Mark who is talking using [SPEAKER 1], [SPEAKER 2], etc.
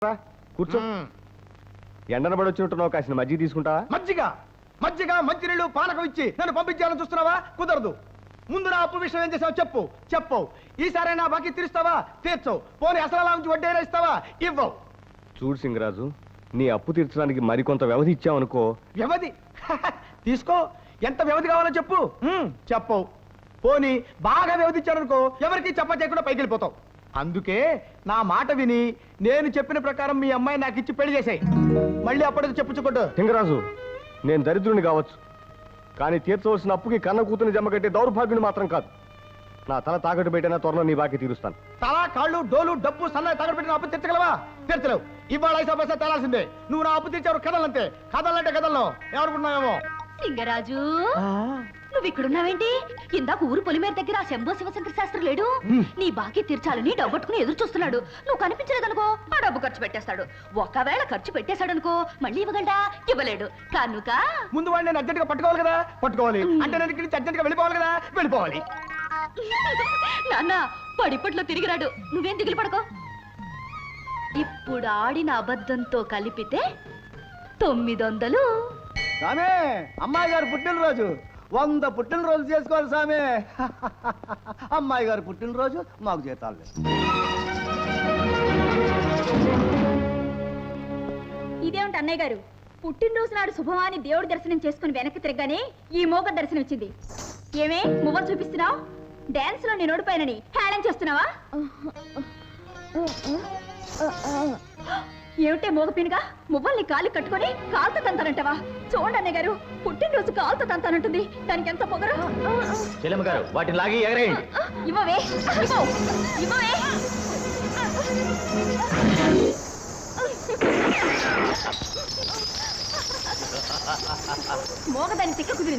[SPEAKER 1] కూర్చో. ఎండన పడి వచ్చినట్టున్నావు, కాసిన మజ్జిగ తీసుకుంటావా?
[SPEAKER 2] మజ్జిగ మజ్జిగ మంచినీళ్ళు పానకం ఇచ్చి నన్ను పంపించాలని చూస్తున్నావా? కుదరదు. ముందు నా అప్పు విషయం ఏం చేసావు చెప్పు. చెప్పవు. ఈసారి నా బాకీ తీరుస్తావా? తీర్చవు. పోనీ అసలు నుంచి వడ్డీ ఇస్తావా? ఇవ్వవు.
[SPEAKER 1] చూడు సింగరాజు, నీ అప్పు తీర్చడానికి మరికొంత వ్యవధి ఇచ్చావనుకో.
[SPEAKER 2] వ్యవధి తీసుకో. ఎంత వ్యవధి కావాలో చెప్పు. చెప్పవు. పోనీ బాగా వ్యవధి ఇచ్చారనుకో, ఎవరికి చెప్ప చేయకుండా పైకి వెళ్ళిపోతావు. అందుకే నా మాట విని నేను చెప్పిన ప్రకారం మీ అమ్మాయి నాకు ఇచ్చి పెళ్లి చేసాయి. మళ్ళీ అప్పటికి చెప్పుచ్చుకోడు.
[SPEAKER 1] సింగరాజు, నేను దరిద్రుని కావచ్చు, కానీ తీర్చవలసిన అప్పుకి కన్న కూతుని జమ కట్టే దౌర్భాగ్యుని మాత్రం కాదు. నా తల తాకట్టు పెట్టినా త్వరలో నీ బాకీ తీరుస్తాను.
[SPEAKER 2] తల కాళ్ళు డోలు డబ్బు సన్న తాకట్టు పెట్టిన అప్పు తీర్చగలవా? తీర్చలేవు. ఇవాళ 5 పైసా తేలాల్సిందే. నువ్వు నా అప్పు తీర్చావు. కథలంతే. కథలంటే కథల్లో ఎవరుకున్నావేమో.
[SPEAKER 3] సింగరాజు, నువ్వు ఇక్కడున్నావేంటి? ఇందాక ఊరు పొలిమేర దగ్గర ఆ శంభో శివశంకర శాస్త్రి లేడు? నీ బాకీ తీర్చాలని డబ్బట్టుకుని ఎదురు చూస్తున్నాడు. నువ్వు కనిపించలేదనుకో, ఆ డబ్బు ఖర్చు పెట్టేస్తాడు. ఒకవేళ ఖర్చు పెట్టేశాడనుకో, మళ్ళీ ఇవ్వగలడా? ఇవ్వలేడు కనుక
[SPEAKER 2] ముందు వాడిని నేను అర్జెంట్ గా పట్టుకోవాలి కదా. పట్టుకోవాలి అంటే నేను ఇక్కడి నుంచి అర్జెంట్ గా వెళ్ళిపోవాలి కదా. వెళ్ళిపోవాలి.
[SPEAKER 3] నాన్న పడిపట్లో తిరిగిరాడు. నువ్వేం దిగులు పడకో. ఇప్పుడు ఆడిన అబద్ధంతో కలిపితే 900.
[SPEAKER 2] సామే, అమ్మాయి గారు పుట్టినరోజు 100 పుట్టినరోజు చేసుకోవాలి సామే. అమ్మాయి గారు పుట్టినరోజు మాకు జీతాలు లేదు.
[SPEAKER 3] ఇదేమిటి అన్నయ్య గారు, పుట్టినరోజు నాడు శుభమాని దేవుడి దర్శనం చేసుకుని వెనక్కి తిరగగానే ఈ మోగ దర్శనం వచ్చింది. ఏమే మువ్వలు చూపిస్తున్నావు? డాన్స్ లో నేను ఓడిపోయానని హేళన చేస్తున్నావా? ఏమిటే మోగపీనుగా మువ్వల్ని కాలు కట్టుకొని కాలుతో తంతానంటావా? చూడండి అన్నయ్య గారు, పుట్టినరోజు కాలుతో తంతానంటుంది. దానికి ఎంత పొగరు.
[SPEAKER 1] చెల్లెమ్మ గారు, వాటిని లాగి ఎగరేయండి.
[SPEAKER 3] ఇవ్వవే, ఇవ్వవే. మోగదాని తిక్క కుదిరింది.